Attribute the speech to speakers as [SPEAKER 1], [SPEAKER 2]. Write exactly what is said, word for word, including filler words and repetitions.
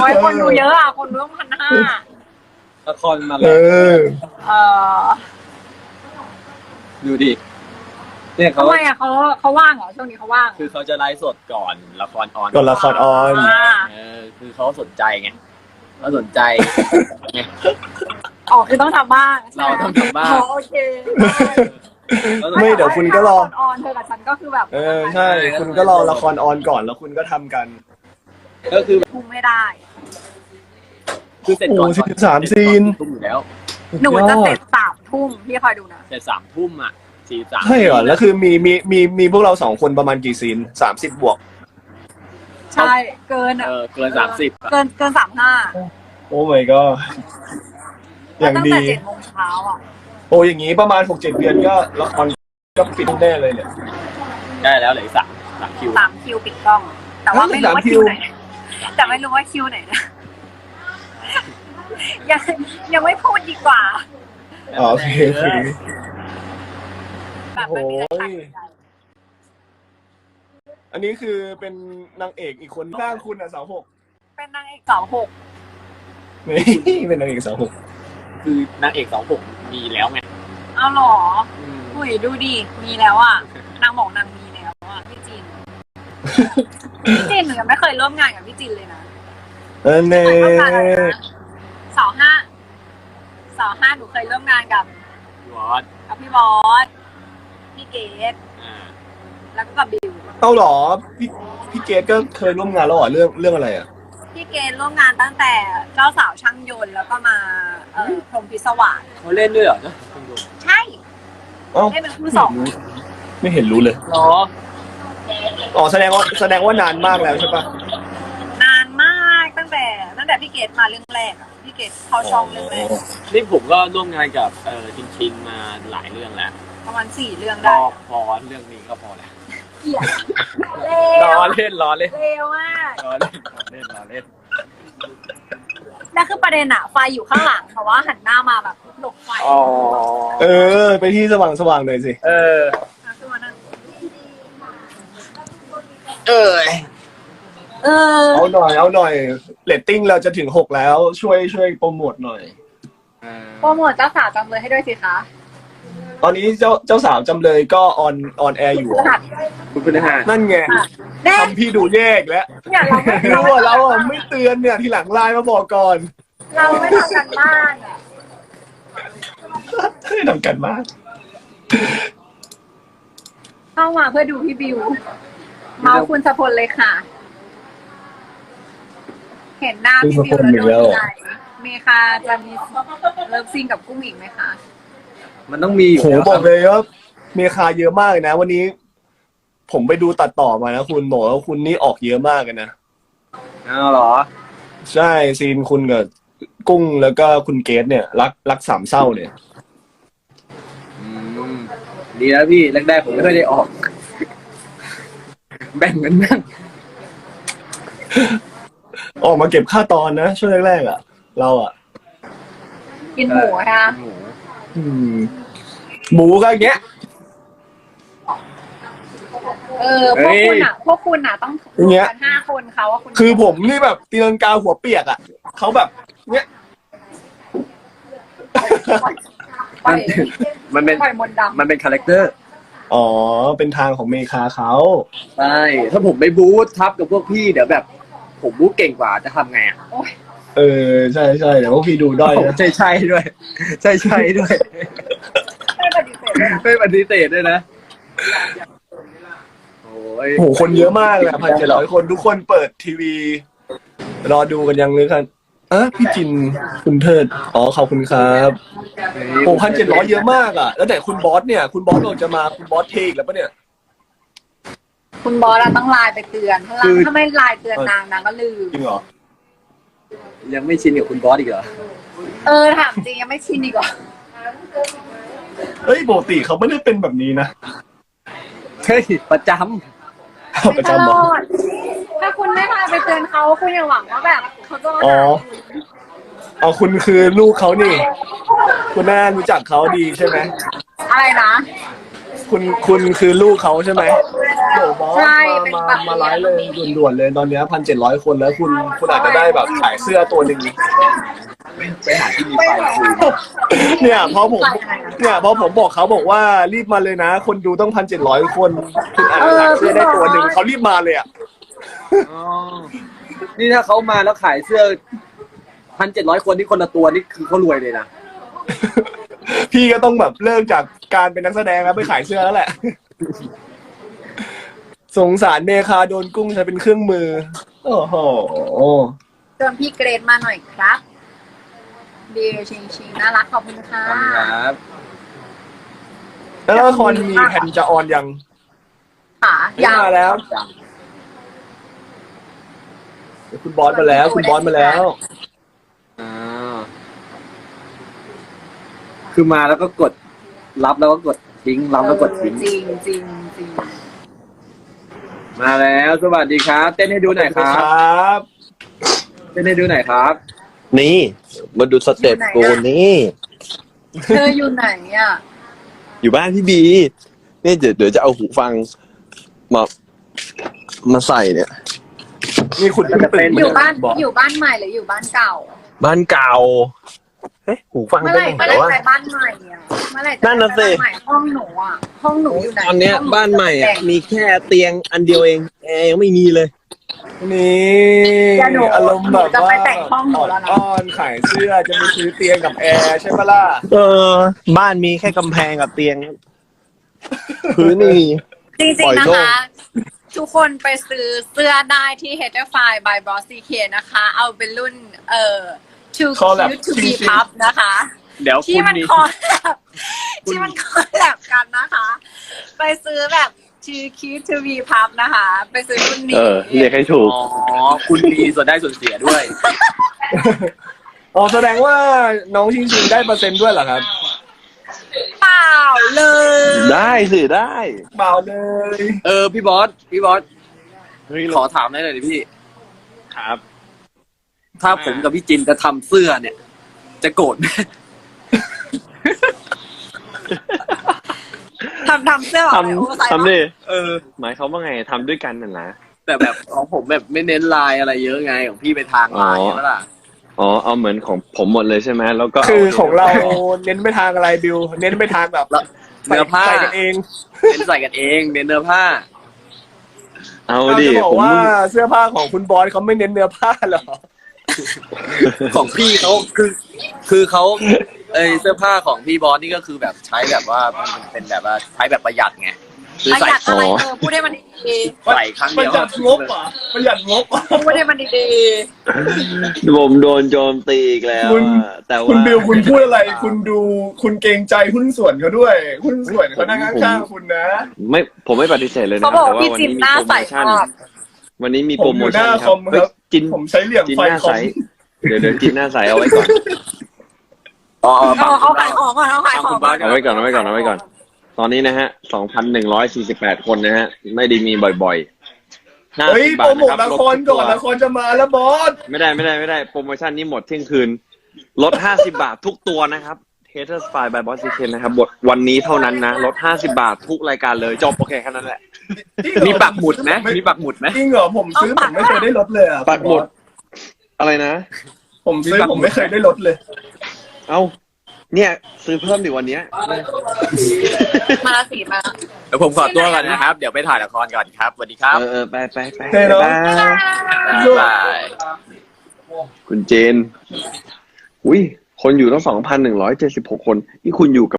[SPEAKER 1] อ้ยคนดูเยอะอ่ะคนดูต้องพันห้า
[SPEAKER 2] ละครมา
[SPEAKER 3] เอ
[SPEAKER 2] แล้ว
[SPEAKER 3] อ
[SPEAKER 1] เออ
[SPEAKER 2] ดูดิเนี่ยเขา
[SPEAKER 1] ทำไมอ่ะเขาเขาว่างเหรอช่วงนี้เขาว่าง
[SPEAKER 2] คือเขาจะไลฟ์สดก่อนละครออน
[SPEAKER 3] ก่อนละครออน
[SPEAKER 1] อ่า
[SPEAKER 2] เออคือเขาสนใจไงเขาสนใจไง
[SPEAKER 1] อ๋อคือต้องทำบ้างใช่ไหม
[SPEAKER 2] เราต้องทำบ้าง
[SPEAKER 1] อ๋อโอเค
[SPEAKER 3] ไม่เดี๋ยวคุณก็รอ
[SPEAKER 1] ออนเธอกับฉันก็คือแบบ
[SPEAKER 3] เออใช่คุณก็รอละครออนก่อนแล้วคุณก็ทำกัน
[SPEAKER 2] ก็คือ
[SPEAKER 1] คุมไม่ได้
[SPEAKER 2] คือเสร็จก่อน
[SPEAKER 3] โอ้สิบสามซีน
[SPEAKER 2] ทุ่มอยู่แล้ว
[SPEAKER 1] หนูจะเสร็จสามทุ่มพี่คอยดูนะ
[SPEAKER 2] เสร็จสามทุ่มอ่ะสี่สาม
[SPEAKER 3] ใช่เหรอแล้วคือมีมีมีมีพวกเราสองคนประมาณกี่ซีนสามสิบบวก
[SPEAKER 1] ใช่เกินอ่ะ
[SPEAKER 2] เออเกินสามสิบ
[SPEAKER 1] เกินเกินสามห้า
[SPEAKER 3] โอ้ my god อย่าง
[SPEAKER 1] ตั้ง
[SPEAKER 3] ดี
[SPEAKER 1] แต่เจ็ดโมงเช้าอ่ะ
[SPEAKER 3] โอ้อย่างนี้ประมาณหกเจ็ดเดือนก็ละครก็ปิดแน่เลยเนี่ย
[SPEAKER 2] ได้แล้วเหลืออีกสามสามคิว
[SPEAKER 1] สามคิวปิดกล้อง แต่ว่าไม่รู้ว่า
[SPEAKER 3] สามคิ
[SPEAKER 1] คิ
[SPEAKER 3] ว
[SPEAKER 1] วไหน แต่ไม่รู้ว่าคิวไหนนะ ยังยังไม่พูดดีกว่า
[SPEAKER 3] อ๋อโอเคโอเค
[SPEAKER 1] แบบไม่มีอะไรตัดสินใจ
[SPEAKER 3] อันนี้คือเป็นนางเอกอีกคนข้างคุณอ่ะสาวหก
[SPEAKER 1] เป็นนางเอกสาวหก
[SPEAKER 3] นี่เป็นนางเอกสาวหก
[SPEAKER 2] คือนางเอกสองหกมีแล้วไง
[SPEAKER 1] เอาหรอ
[SPEAKER 2] อืม
[SPEAKER 1] อุ้ยดูดิมีแล้วอ่ะนางบอกนางมีแล้วอ่ะพี่จิน พี่จินหนูยังไม่เคยร่วมงานกับพี่จินเลยนะ
[SPEAKER 3] เออเน่
[SPEAKER 1] เข้าใจแล้วนะสาวห้าสาวห้าหนูเคยร่วมงานกับ
[SPEAKER 2] วอด
[SPEAKER 1] กับพี่บอสพี่เกด
[SPEAKER 2] อ่า
[SPEAKER 1] แล้วก็กับบิว
[SPEAKER 3] เอาเหรอพี่พี่เกดก็เคยร่วมงานแล้วเหรอเรื่องเรื่องอะไรอ่ะ
[SPEAKER 1] พี่เกดร่วมงานตั้งแต่เจ้าสาวช่างยนต์แล้วก็มาเอ่อพรหมพิศวาส
[SPEAKER 2] เขาเล่นด้วยเหรอเจ้าคุณดู
[SPEAKER 1] ใช่
[SPEAKER 3] เอ้า
[SPEAKER 1] ได้เป็นคู่สอง
[SPEAKER 3] ไม่เห็นรู้เลย
[SPEAKER 2] หรอ
[SPEAKER 3] อ๋อแสดงว่าแสดงว่านานมากแล้วใช่ปะ
[SPEAKER 1] นานมากตั้งแต่ตั้งแต่พี่เกดมาเรื่องแรกอะพี่เกดเข้าช่องเรื่องแรก
[SPEAKER 2] นี่ผมก็ร่วมงานกับเอ่อชินชินมาหลายเรื่องแล้ว
[SPEAKER 1] ประมาณสี่เรื่อง
[SPEAKER 2] พ
[SPEAKER 1] ได้
[SPEAKER 2] อพอเรื่องนี้ก็พอแล้ว
[SPEAKER 1] เกลียดเล
[SPEAKER 2] ร
[SPEAKER 1] ว
[SPEAKER 2] อเล่นรอเล่น
[SPEAKER 1] เลวมาก
[SPEAKER 2] รอเล่นรอเล่นรอเล่น
[SPEAKER 1] แล้วคือประเด็นอะไฟอยู่ข้างหลังแต่ว่าหันหน้ามาแบบหลบไฟ
[SPEAKER 2] อ๋อ
[SPEAKER 3] เออ ไปที่สว่างสว่างหน่อยสิ
[SPEAKER 2] เออ
[SPEAKER 1] อ่ะคือวันนั้น
[SPEAKER 2] เออ
[SPEAKER 1] เออ
[SPEAKER 3] เอาหน่อยเอาหน่อยเรตติ้งเราจะถึงหกแล้วช่วยช่วยโปรโมทหน่อย
[SPEAKER 1] โปรโมทเจ้าสาวจำเลยให้ด้วยสิคะ
[SPEAKER 3] ตอนนี้เจ้าเจ้าสาวจำเลยก็ออนออนแอร์อยู่
[SPEAKER 1] รหัส
[SPEAKER 2] คุณพฤหัส
[SPEAKER 3] นั่นไง
[SPEAKER 1] แน่
[SPEAKER 3] ทำพี่ดูแยกแล้ว
[SPEAKER 1] เนี่ยเราไม่
[SPEAKER 3] รู้ว่าเราอ่ะไม่เตือนเนี่ยทีหลังไลน์มาบอกก่อน
[SPEAKER 1] เราไม่ทำกันบ้านอะ
[SPEAKER 3] ให้ทำกันมาก
[SPEAKER 1] เข้ามาเพื่อดูพี่บิว เมาคุณสะพลเลยค่ะ เห็นหน้าพี่บิวแล้วโดนใจเมคาจะมีเลิฟซิงกับกุ้งอีกไหมคะ
[SPEAKER 2] มันต้องมีอยู่
[SPEAKER 3] โห
[SPEAKER 2] แล้ว
[SPEAKER 3] บอกเลยว่าเมคาเยอะมากเลยนะ วันนี้ ผมไปดูตัดต่อมานะคุณบอกว่าคุณนี่ออกเยอะมากเลยนะ
[SPEAKER 2] อ้าวเหรอ
[SPEAKER 3] ใช่ซีนคุณกับกุ้งแล้วก็คุณเกดเนี่ย รักรักสามเศร้าเนี่ย
[SPEAKER 2] อืมดีแล้วพี่แรกๆผมไม่ค่อยได้ออก แบ่งกันบ้าง
[SPEAKER 3] ออกมาเก็บค่าตอนนะช่วงแรกๆอ่ะ เราอ่ะ
[SPEAKER 1] กินหมูนะคะ
[SPEAKER 2] หมู
[SPEAKER 3] อืมหมูก็อย่างเงี้ย
[SPEAKER 1] เออพวกคุณอ่ะ พวกคุณอ่ะต้อง
[SPEAKER 3] อย่างเงี้ย
[SPEAKER 1] กันห้าคนเขาว่าคุณ
[SPEAKER 3] คือผมนี่แบบตีลังกาหัวเปียกอ่ะเขาแบบเนี้ย
[SPEAKER 1] ปล่อย
[SPEAKER 2] มันเป็น
[SPEAKER 1] ปล่อยมนต์ดำ
[SPEAKER 2] มันเป็นคาแรคเตอร์
[SPEAKER 3] อ๋อเป็นทางของเมคาเขา
[SPEAKER 2] ใช่ถ้าผมไปบูธทับกับพวกพี่เดี๋ยวแบบ ผมบูธเก่งกว่าจะทำไงอ่ะ
[SPEAKER 1] โอ้ย
[SPEAKER 3] เออใช่ใช่เดี๋ยวพวกพี่ดูด้อยนะ
[SPEAKER 2] ใช่ใช่ด้วย ใช่ใช่ด้วย
[SPEAKER 1] ไม่ปฏิเสธเลยนะ
[SPEAKER 2] ไม่ปฏิเสธด้วยนะโอ้ย
[SPEAKER 3] โอ้โหคนเยอะมากเลยพันเจ็ดร้อยคนทุกคนเปิดทีวี รอดูกันยังเลยครับเออพี่จินคุณเทิดอ๋อขอบคุณครับโอ้พันเจ็ดร้อยเยอะมากอ่ะแล้วแต่คุณบอสเนี่ยคุณบอสเราจะมาคุณบอสเทอีกแล้วปะเนี่ย
[SPEAKER 1] คุณบอสอะต้องไลน์ไปเตือนถ้า
[SPEAKER 3] คือ
[SPEAKER 1] ถ้าไม่ไลน์เตือนนางนางก็ลืม
[SPEAKER 3] จริงเหรอ
[SPEAKER 2] ยังไม่ชินกับคุณบอสอีกเหรอ
[SPEAKER 1] เออถามจริงยังไม่ชินอีกเหรอ
[SPEAKER 3] เฮ้ยปกติเขาไม่ได้เป็นแบบนี้นะ
[SPEAKER 2] เฮ้ยประจ
[SPEAKER 3] ประจำเหรอ
[SPEAKER 1] ตลอดถ้าคุณไม่ไลน์ไปเตือนเขาคุณอย่าหวังว่าแบบเขาจะมา
[SPEAKER 3] อ๋อ
[SPEAKER 1] หา
[SPEAKER 3] เอาคุณคือลูกเขานี่ คุณแม่รู้จักเขาดีใช่ไหม
[SPEAKER 1] อะไรนะ
[SPEAKER 3] คุณคุณคือลูกเขาใช่ไหมโหบอส
[SPEAKER 1] ใช่
[SPEAKER 3] มา
[SPEAKER 1] เป็น
[SPEAKER 3] มา
[SPEAKER 1] แบบ
[SPEAKER 3] มาไลฟ์เลยด่วนๆเลยตอนเนี้พันเจ็ดร้อยคนแล้วคุณคุณอาจจะได้แบบขายเสื้อตัวหนึ่ง
[SPEAKER 2] ไปหาที่มีไฟคุย
[SPEAKER 3] เนี่ยพอผมเนี่ยพอผมบอกเขาบอกว่ารีบมาเลยนะ คนดูต้องพันเจ็ดร้อยคนคุณอาจจะขายเสื้อได้ตัวหนึ่งเขารีบมาเลยอ่ะ
[SPEAKER 2] อ๋อนี่ถ้าเขามาแล้วขายเสื้อพันเจ็ดร้อยคนที่คนละตัวนี่คือเขารวยเลยนะ
[SPEAKER 3] พี่ก็ต้องแบบเลิกจากการเป็นนักแสดงแล้วไปขายเสื้อแล้วแหละ สงสารเมคาโดนกุ้งใช้เป็นเครื่องมือ โอ้โห
[SPEAKER 1] เชิญพี่เกรดมาหน่อยครับดีชิงชิงน่ารักขอบคุณค่ะ
[SPEAKER 2] ครับ
[SPEAKER 3] แล้วละครมีแผ่นจะออนยัง
[SPEAKER 1] ค่ะ
[SPEAKER 3] ไม่
[SPEAKER 1] ยาว
[SPEAKER 3] มาแล้วเดี๋ยวคุณบอสมาแล้ว คุณบอสมาแล้ว
[SPEAKER 2] อ่าคือมาแล้วก็กดรับแล้วก็กดทิ้งรับแล้วกดทิ้ง
[SPEAKER 1] จริงจริงจริง
[SPEAKER 2] มาแล้วสวัสดีครับ เต้นให้ดูหน่อยครั
[SPEAKER 3] ค
[SPEAKER 2] บ
[SPEAKER 3] รับ
[SPEAKER 2] เต้นให้ดูหน่อยครับ
[SPEAKER 4] นี่มาดูสเต็ปกูนี่
[SPEAKER 1] เธออยู่ไหนอ่ะ
[SPEAKER 4] อยู่บ้านพี่บีเนี่ยเดี๋ยวเดี๋ยวจะเอาหูฟังมามาใส่เนี่ย
[SPEAKER 3] นี่คุณก็ตื่น
[SPEAKER 1] อยู่บ้าน
[SPEAKER 3] บอก
[SPEAKER 1] อยู่บ้านใหม่หรืออยู่บ้านเก่า
[SPEAKER 4] บ้านเก่าเฮ้ยหูฟัง
[SPEAKER 1] เมื่อ
[SPEAKER 4] ไป
[SPEAKER 1] ไหร่
[SPEAKER 4] ไหน
[SPEAKER 1] เมื่อไหร่
[SPEAKER 4] วะ
[SPEAKER 1] ไปบ้านใหม่อ่ะเมื่อไหร่จะ
[SPEAKER 4] นั่นน่ะสิ
[SPEAKER 1] ไปบ้าใหม่ห้องหนูอ่ะห้องหนูอยู่ไหน
[SPEAKER 4] ตอนเนี้ย
[SPEAKER 1] ห้ง
[SPEAKER 4] บ้านใหม่อ่ะ
[SPEAKER 1] แต่ง
[SPEAKER 4] มีแค่เตียงอันเดียวเองแอร์ยังไม่มีเลย
[SPEAKER 3] นี่
[SPEAKER 1] เดี๋ยวหนู
[SPEAKER 3] อารมณ์แบบ
[SPEAKER 1] จะไป
[SPEAKER 3] ว่า
[SPEAKER 1] แต่งห้องหนูแล้วนะ
[SPEAKER 3] อ้อนขายเสื้อจะไปซื้อเตียงกับแอร์ใช่ปะล่ะ
[SPEAKER 4] เออ บ้านมีแค่กำแพงกับเตียง พื้นไม่มี
[SPEAKER 1] จริ
[SPEAKER 4] ปล่
[SPEAKER 1] ง
[SPEAKER 4] อย
[SPEAKER 1] ๆนะ
[SPEAKER 4] โล่ง
[SPEAKER 1] คะ ทุกคนไปซื้อเสื้อได้ที่ h e t e r f i by Boss ซี เค นะคะ เอาเป็นรุ่นเอ่อ Too
[SPEAKER 3] Collab
[SPEAKER 1] Cute to be
[SPEAKER 3] จริงๆ
[SPEAKER 1] Pub นะคะ
[SPEAKER 2] เดี๋ยว
[SPEAKER 1] ที่
[SPEAKER 2] คุณ
[SPEAKER 1] มัน
[SPEAKER 2] มี
[SPEAKER 1] คอลแลบที่มันคอลแลบกันนะคะ ไปซื้อแบบ Too Cute to be Pub นะคะ ไปซื้อรุ่นนี้
[SPEAKER 4] เออเรียกให้ถูก
[SPEAKER 2] อ๋อคุณมีส่วนได้ส่วนเสียด้วย
[SPEAKER 3] อ๋อแสดงว่าน้องชิงชิงได้เปอร์เซ็นต์ด้วยเหรอครับ
[SPEAKER 1] เปล่าเลย
[SPEAKER 4] ได้สิได้
[SPEAKER 3] เปล่าเลย
[SPEAKER 2] เออพี่บอสพี่บอส
[SPEAKER 4] เฮ้ย
[SPEAKER 2] ขอถามได้เลยดิพี่
[SPEAKER 4] ครับ
[SPEAKER 2] ถ้าผมกับพี่จินจะทำเสื้อเนี่ย จะโกรธไหม
[SPEAKER 1] ทำทำเสื้อ
[SPEAKER 4] ท
[SPEAKER 1] แบบโอเวอร์ไซส์
[SPEAKER 4] ำทำดิ
[SPEAKER 2] เออ
[SPEAKER 4] หมายเขามว่าไงทำด้วยกันน่ะนะ
[SPEAKER 2] แต่แบบของผมแบบไม่เน้นลายอะไรเยอะไงของพี่ไปทางลายใช่ไหมล่ะ
[SPEAKER 4] อ๋อเอาเหมือนของผมหมดเลยใช่ไหมแล้วก็
[SPEAKER 3] คือของเราเน้นไปทางอะไรบิว เน้นไปทางแบบ
[SPEAKER 2] แล้วเนื้อผ้า
[SPEAKER 3] ใส่กันเอง
[SPEAKER 2] เน้นใส่กันเองเน้นเนื้อผ้า
[SPEAKER 4] เอา
[SPEAKER 3] เรา
[SPEAKER 4] ดิ
[SPEAKER 3] จะบอก
[SPEAKER 4] ผม
[SPEAKER 3] ว่าเสื้อผ้าของคุณบอสเขาไม่เน้นเนื้อผ้าเหรอ
[SPEAKER 2] ของพี่เขาคือ คือเขาเอยเสื้อผ้าของพี่บอสนี่ก็คือแบบใช้แบบว่ามันเป็นแบบว่าใช้แบบประหยัดไงคือ
[SPEAKER 1] ประ
[SPEAKER 2] ใส่
[SPEAKER 1] หยัดอะไรเออพูดให้มันดี
[SPEAKER 2] ใส่ครั้ง
[SPEAKER 3] ประ
[SPEAKER 2] เดียว
[SPEAKER 3] หยัดงบอ่ะประหยัดงบอ่ะ
[SPEAKER 1] ๆพูดให้มันดี
[SPEAKER 4] ผมโดนโจมตีอีกแล้ว
[SPEAKER 3] คุณ
[SPEAKER 4] อะแต่ว่า
[SPEAKER 3] คุณบิวคุณพูดอะไร คุณดูคุณเกรงใจหุ้นส่วนเขาด้วย หุ้นส่วนเขานั่งข้างๆคุณนะ
[SPEAKER 4] ไม่ผมไม่ปฏิเสธเลย
[SPEAKER 1] ๆ
[SPEAKER 4] นะ
[SPEAKER 1] เขาบอก
[SPEAKER 4] แต่
[SPEAKER 1] ว่าพี่
[SPEAKER 4] วั
[SPEAKER 1] จิน
[SPEAKER 4] มี
[SPEAKER 1] หน้า
[SPEAKER 4] โปร
[SPEAKER 1] ใส
[SPEAKER 4] โมชั่น
[SPEAKER 1] มาก
[SPEAKER 4] วันนี้มี
[SPEAKER 3] ผ
[SPEAKER 4] โปร
[SPEAKER 3] มอ
[SPEAKER 4] โม
[SPEAKER 3] ยู่ห
[SPEAKER 4] ชั่น
[SPEAKER 3] น้า
[SPEAKER 4] ค
[SPEAKER 3] ครับ อมค
[SPEAKER 4] เฮ้ย
[SPEAKER 3] รับ
[SPEAKER 4] จิน
[SPEAKER 3] ผมใช้เหลี่ยม
[SPEAKER 4] จิน
[SPEAKER 3] ไฟ
[SPEAKER 4] หน้า
[SPEAKER 3] คอ
[SPEAKER 4] ใส
[SPEAKER 3] ม
[SPEAKER 4] เดี๋ยวเดี๋ยวจินหน้าใสเอาไว้ก่อน
[SPEAKER 2] อ๋อ
[SPEAKER 1] เอาเอาขายของก่อนเอาขายของก่อน
[SPEAKER 4] เอาไว้ก่อนเอาไว้ก่อนเอาไว้ก่อน ตอนนี้นะฮะ สองพันหนึ่งร้อยสี่สิบแปด คนนะฮะ ไม่ได้มีบ่อยๆห้า
[SPEAKER 3] เฮ้ย
[SPEAKER 4] สิบ
[SPEAKER 3] โป
[SPEAKER 4] บาร ท
[SPEAKER 3] โมท
[SPEAKER 4] นะ
[SPEAKER 3] ละ
[SPEAKER 4] รับ
[SPEAKER 3] ครก่อน
[SPEAKER 4] ลด
[SPEAKER 3] ละครจะมาแล้วบอส
[SPEAKER 4] ไม่ได้ไม่ได้ไม่ได้โปรโมชั่นนี้หมดเที่ยงคืน ลดห้าสิบบาททุกตัวนะครับ Haters File by Boss ซี เค นะครับบทวันนี้เท่านั้นนะ ลดห้าสิบบาททุกรายการเลยจบโอเคแค่นั้นแหละ
[SPEAKER 2] มีปักหมุดไหมมีปักหมุดไหม
[SPEAKER 3] จริงเหรอผมซื้อผมไม่เคยได้ลดเลยอ่ะ
[SPEAKER 4] ปักหมด อะไรนะ
[SPEAKER 3] ผมซื้อผมไม่เคยได้ลดเลย
[SPEAKER 4] เอ้า เนี่ย ซื้อเพิ่มดิวันเนี้ย
[SPEAKER 1] มาละสีมา
[SPEAKER 2] เดี๋ยวผมขอตัวก่อนนะครับ เดี๋ยวไปถ่ายละครก่อนครับสวัสดีครับ
[SPEAKER 4] เออเออไปไปไป
[SPEAKER 3] เฮ้ยน้อง
[SPEAKER 4] บ๊ายบาย
[SPEAKER 2] บ๊ายบาย
[SPEAKER 4] คุณเจน อุ้ย คนอยู่ตั้งสองพันหนึ่งร้อยเจ็ดสิบหกคน นี่คุณอยู่กับ